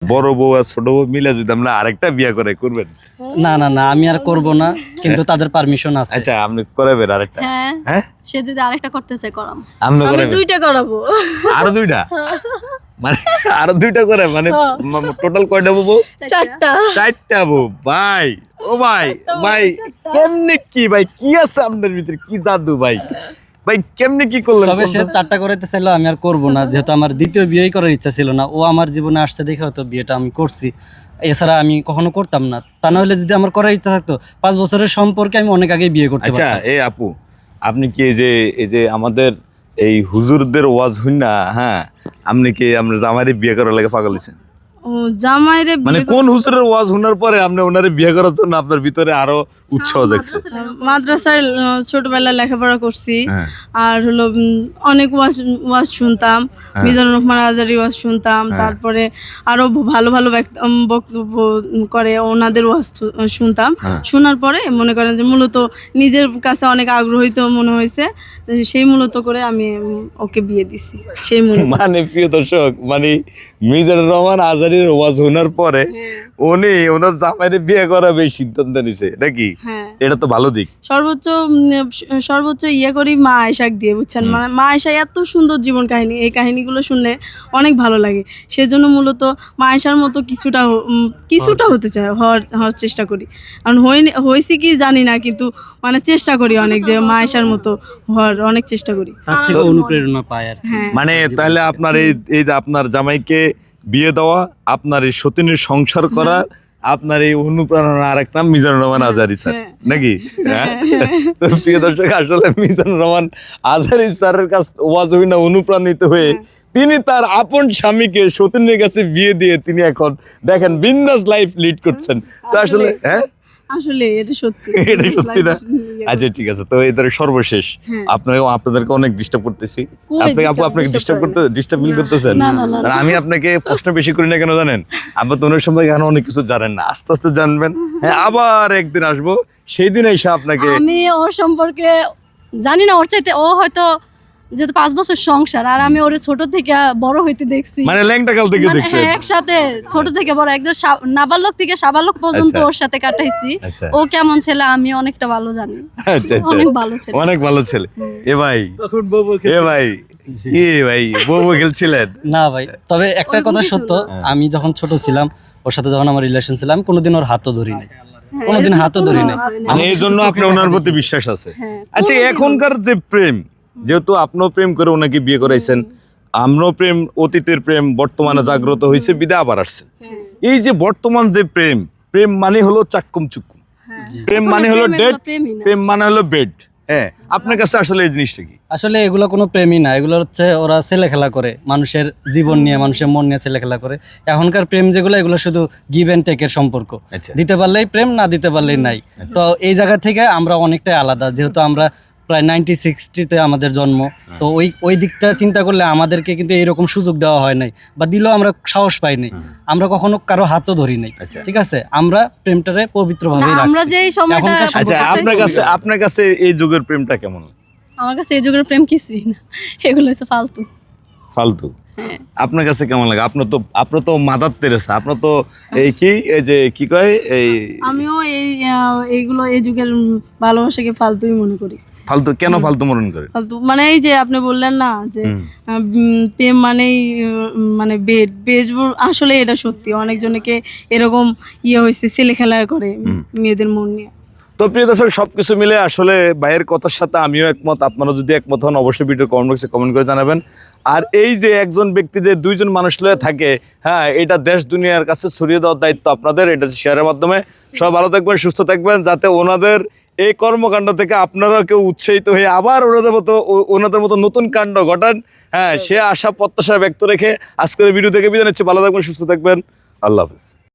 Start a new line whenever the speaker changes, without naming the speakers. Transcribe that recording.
বড় বউ আর ছোট বউ মিলে যদি আমরা আরেকটা বিয়ে করে করবেন?
না না না, আমি আর করব না, কিন্তু তাদের পারমিশন আছে।
আচ্ছা, আপনি করাবেন আরেকটা?
হ্যাঁ, সে যদি আরেকটা করতে চায় করাম।
আপনি
আমি
করাবেন?
2টা করাবো।
আরো 2টা? মানে আরো 2টা করে, মানে টোটাল কয়টা বউ?
4টা।
4টা বউ? ভাই, ও ভাই, ভাই কেমনে কি, ভাই কি আছে আপনার ভিতরে, কি জাদু ভাই, ভাই কেমনে কি করলেন?
তবে সে 4টা করাইতে চাইলো, আমি আর করব না, যেহেতু আমার দ্বিতীয় বিয়েই করার ইচ্ছা ছিল না। ও আমার জীবনে আসছে দেখে হয়তো বিয়েটা আমি করছি, এছাড়া আমি কখনো করতাম না। তা না হলে যদি আমার করার ইচ্ছা থাকতো 5 বছরের সম্পর্কে আমি অনেক আগেই বিয়ে করতে
আচ্ছা,
পারতাম।
এই আপু, আপনি কি এই যে আমাদের এই হুজুরদের ওয়াজ হই না, হ্যাঁ, আপনি কি আমরা জামাইরে বিয়ে করার লাগে পাগল হইছেন?
ও জামাইরে
মানে কোন হুজুরের ওয়াজ শোনার পরে আপনি ওনারে বিয়ে করার জন্য আপনার ভিতরে আরো উৎসাহ জাগছে?
মাদ্রাসায় ছোটবেলায় লেখাপড়া করছি,
হ্যাঁ।
আর হলো অনেক ওয়াজ শুনতাম, মিজানুর রহমান আজারি ওয়াজ শুনতাম, তারপরে আরো ভালো ভালো বক্তব্য করে ওনাদের ওয়াজ শুনতাম। শোনার পরে মনে করেন যে মূলত নিজের কাছে অনেক আগ্রহিত মনে হয়েছে, সেই মূলত করে আমি ওকে বিয়ে দিছি। সেই
মানে প্রিয় দর্শক, মানে মিজানুর রহমান আজারির ওয়াজ শোনার পরে উনি ওনার জামাইরে বিয়ে করাবে সিদ্ধান্ত নিছে নাকি? এটা তো ভালো দিক।
সর্বোচ্চ ইয়ে করি মা আয়েশাক দিয়ে, বুঝছেন? মানে মা আয়েশা এত সুন্দর জীবন কাহিনী, এই কাহিনীগুলো শুনলে অনেক ভালো লাগে। সেজন্য মূলত মা আয়েশার মতো কিছুটা হতে চায়, হওয়ার চেষ্টা করি। কারণ হয়েছি কি জানি না, কিন্তু মানে চেষ্টা করি অনেক, যে মা আয়েশার মতো হওয়ার অনেক চেষ্টা করি।
তার থেকে অনুপ্রেরণা পাই আর কি।
মানে তাহলে আপনার এই যে আপনার জামাইকে বিয়ে দেওয়া, আপনার এই সতীনের সংসার করা, আপনার এই অনুপ্রেরণা আরেক নাম মিজানুর রহমান আজারি স্যার নাকি? তো প্রিয় দর্শক, আসলে মিজানুর রহমান আজারি স্যারের কাছে ওয়াজ হইনা অনুপ্রাণিত হয়ে তিনি তার আপন স্বামীকে সতীনের কাছে বিয়ে দিয়ে তিনি এখন দেখেন বিন্দাস লাইফ লিড করছেন। তো আসলে
আসলে এটা সত্যি,
এটা সত্যি না? আচ্ছা ঠিক আছে, তো এদের সর্বশেষ আপনাদেরকে অনেক ডিস্টার্ব করতেছি। আপনাকে ডিস্টার্ব ফিল করতেছেন? আমি আপনাকে প্রশ্ন বেশি করি না কেন জানেন? আপনি তো ওনার সম্পর্কে এখন অনেক কিছু জানেন না, আস্তে আস্তে জানবেন। হ্যাঁ, আবার একদিন আসবো, সেই দিন এসে আপনাকে
আমি ওর সম্পর্কে জানি না, ওর চাইতে ও হয়তো যেহেতু 5 বছর সংসার, আর আমি ওর ছোট থেকে বড় হইতে দেখছি,
মানে ল্যাংটা কাল থেকে দেখছি
একসাথে ছোট থেকে বড়, একদম নাবালক থেকে সাবালক পর্যন্ত ওর সাথে কাটাইছি। ও কেমন ছেলে আমি অনেকটা ভালো জানি। অনেক ভালো ছেলে,
অনেক ভালো ছেলে। এ ভাই, এ ভাই, ভাই বউ খেলছিলেন
না ভাই, তবে একটা কথা সত্য, আমি যখন ছোট ছিলাম, ওর সাথে যখন আমার রিলেশন ছিল, আমি কোনোদিন ওর হাতও ধরি নাই, কোনোদিন হাতও ধরি নাই।
মানে এই জন্য আপনার ওনার প্রতি বিশ্বাস আছে। আচ্ছা, এখনকার যে প্রেম, যেহেতু আপনিও প্রেম করে ওনাকে বিয়ে করাইছেন, আমরাও প্রেম, অতীতের প্রেম বর্তমানে জাগ্রত হয়েছে, বিদা আবার আসছে। এই যে বর্তমান যে প্রেম মানে হলো চাক্কুম চুক্কুম, প্রেম মানে হলো ডেট, প্রেম মানে হলো বেড। হ্যাঁ, আপনার কাছে আসলে এই জিনিসটা কি?
আসলে এগুলো কোনো প্রেমই না, এগুলো হচ্ছে ওরা ছেলে খেলা করে, মানুষের জীবন নিয়ে, মানুষের মন নিয়ে ছেলে খেলা করে। এখনকার প্রেম যেগুলো, এগুলো শুধু গিভ অ্যান্ড টেকের সম্পর্ক, দিতে পারলেই প্রেম, না দিতে পারলেই নাই। তো এই জায়গা থেকে আমরা অনেকটাই আলাদা, যেহেতু আমরা প্রায় 90-60-তে আমাদের জন্ম, তো ওই দিকটা চিন্তা করলে আমাদেরকে কিন্তু এইরকম সুযোগ দেওয়া হয় নাই, বা দিলেও আমরা সাহস পাই নাই, আমরা কখনো কারো হাতও ধরি নাই। ঠিক আছে, আমরা প্রেমটারে পবিত্রভাবেই রাখছি।
আমরা যে এই সময়টা,
আচ্ছা, আপনার কাছে এই যুগের প্রেমটা কেমন?
আমার কাছে এই যুগের প্রেম কিছুই না, এগুলো হচ্ছে ফালতু।
আপনার কাছে কেমন লাগে? আপনার তো মাদার তেরেসা, আপনার তো এই যে কি কয়,
আমিও এইগুলো এই যুগের ভালোবাসাকে ফালতুই মনে করি।
ফালতু কেন ফালতু মনে করে?
ফালতু মানে এই যে আপনি বললেন না যে প্রেম মানেই মানে বেড, আসলে এটা সত্যি, অনেকজনকে এরকম হয়েছে, ছেলে খেলা করে মেয়েদের মন নিয়ে।
তো প্রিয় দর্শক, সবকিছু মিলে আসলে ভাইয়ের কথার সাথে আমিও একমত। আপনারা যদি একমত হন, অবশ্যই ভিডিও কমেন্ট বক্সে কমেন্ট করে জানাবেন। আর এই যে একজন ব্যক্তি যে 2জন মানুষ লয়ে থাকে, হ্যাঁ, এটা দেশ দুনিয়ার কাছে ছড়িয়ে দেওয়ার দায়িত্ব আপনাদের। এটা শেয়ারের মাধ্যমে সবাই ভালো থাকবেন, সুস্থ থাকবেন, যাতে ওনাদের এই কর্মকাণ্ড থেকে আপনারাও কেউ উৎসাহিত হয়ে আবার ওনাদের মতো নতুন কাণ্ড ঘটান। হ্যাঁ, সে আশা প্রত্যাশা ব্যক্ত রেখে আজকের ভিডিও থেকে বিদায় নিচ্ছি। ভালো থাকবেন, সুস্থ থাকবেন, আল্লাহ হাফেজ।